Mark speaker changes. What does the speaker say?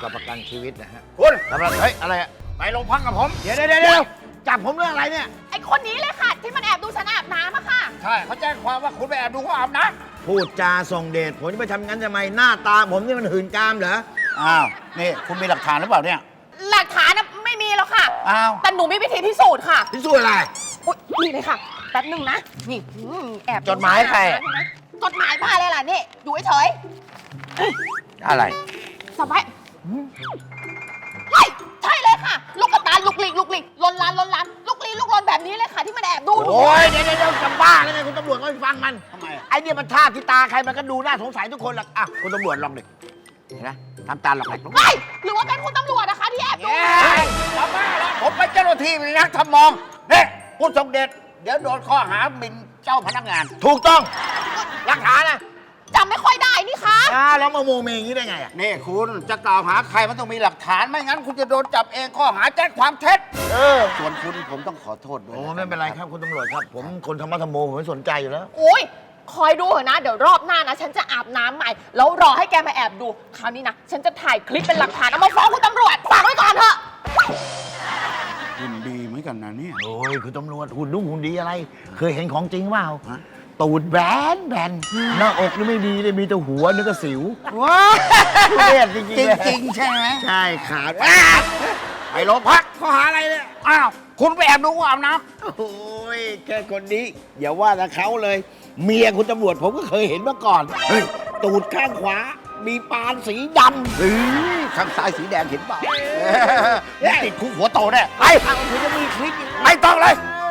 Speaker 1: กับประกันชีวิตนะฮะ
Speaker 2: คุณ
Speaker 1: สำหรับเฮ้ยอะไรอะ
Speaker 2: ไปโรงพักกับผม
Speaker 1: เดี๋ยวจับผมเรื่องอะไรเนี่ย
Speaker 3: ไอคนนี้เลยค่ะ ที่มันแอบดูฉันอาบน้ำอะค่ะ
Speaker 2: ใช่เขาแจ้งความว่าคุณไปแอบดูเขาอาบน้
Speaker 1: พูดจาส่งเดชผมจะไปทำงั้นทำไมหน้าตาผมนี่มันหื่นกามเหรอ
Speaker 2: ำอ้าวนี่คุณมีหลักฐานหรือเปล่าเนี่ย
Speaker 3: หลักฐานน่ะไม่มีหรอกค่ะ
Speaker 2: อ้าว
Speaker 3: แต่หนูมีวิธีพิสูจน์ค่ะ
Speaker 1: พิสูจน์อะไร
Speaker 3: อุ๊ยนี่เลยค่ะ แป๊บหนึ่งนะ นี่แอบ
Speaker 1: จดหมายใคร
Speaker 3: จดหมายบ้าเลยล่ะนี่ อยู่เฉย
Speaker 2: อะไร
Speaker 3: ๆสบายเฮ้ยใช่เลยค่ะ ลูกกระตาลุกลีกลนลานลุกลีลุกลนแบบนี้เลยค่ะ ที่มันแอบดูหนู
Speaker 1: โอ้ยเดี๋ยวจะบ้าแล้วไงคุณตำรวจก็ไปฟังมัน
Speaker 2: ทำไมอะ
Speaker 1: ไอ้เนี่ยมันท่าที่ตาใครมันก็ดูน่าสงสัยทุกคนหรอกอ่ะคุณตำรวจลองดิเห็นไหมทำตาหลอกหลอก
Speaker 3: เฮ้ยหรือว่าเป็นคุณตำรวจนะคะที่แอบดู
Speaker 2: เอ้ยจะบ้าแล้วผมเป็นเจ้าหน้าที่เป็นนักทำมองเนี่ยคุณสมเด็จ เดี๋ยวโดนข้อหาหมิ่นเจ้าพนักงาน
Speaker 1: ถูกต้องหลักฐานนะ
Speaker 3: จำไม่ค่อยได้นี่คะ
Speaker 1: แล้วมาโมเมอย่างนี้ได้ไงอ่ะ
Speaker 2: นี่คุณจะกล่าวหาใครมันต้องมีหลักฐานไม่งั้นคุณจะโดนจับเองข้อหาแจ้งความเท็จ ส่วนคุณผมต้องขอโทษด้วย
Speaker 1: โอ้ไม่เป็นไรครับคุณตำรวจครับ ผมคนธรรมะธรรมโมผมไม่สนใจอยู่แล้ว
Speaker 3: โอ้ยคอยดูเถอะนะ เดี๋ยวรอบหน้านะ ฉันจะอาบน้ำใหม่ แล้วรอให้แกมาแอบดู คราวนี้นะ ฉันจะถ่ายคลิปเป็นหลักฐานเอามาฟ้องคุณตำรวจฝากไว้ก่อนเถอะ
Speaker 2: คุณดีเหมือนกันนะเนี่ย
Speaker 1: โอ้ยคุณตำรวจหุ่นนุ่งหุ่นดีอะไร เคยเห็นของจริงเปล่า
Speaker 2: ฮะ
Speaker 1: ตูดแบนหน้าอกนี่ไม่ดีเลยมีแต่หัวนึกว่าสิว
Speaker 2: ว้า
Speaker 1: ทุเรศจริงๆเลย
Speaker 2: จริงๆใช่ไหม
Speaker 1: ใช่ขาด
Speaker 2: ไปโรงพักข้อหาอะไรเนี่ยอ้าวคุณไปแอบดูเขาอาบน้
Speaker 1: โอ้ยแค่คนนี้ อย่าว่าแต่เขาเลย เมียคุณตำรวจผมก็เคยเห็นมาก่อนเฮ้ยตูดข้างขวา มีปานสีดำ
Speaker 2: ำข้างซ้ายสีแดงเห็นเปล่าติดคุกหัวโตแน่ไป
Speaker 1: เอาคุณจะมีคลิปอีก
Speaker 2: ไม่ต้องเลย
Speaker 1: เ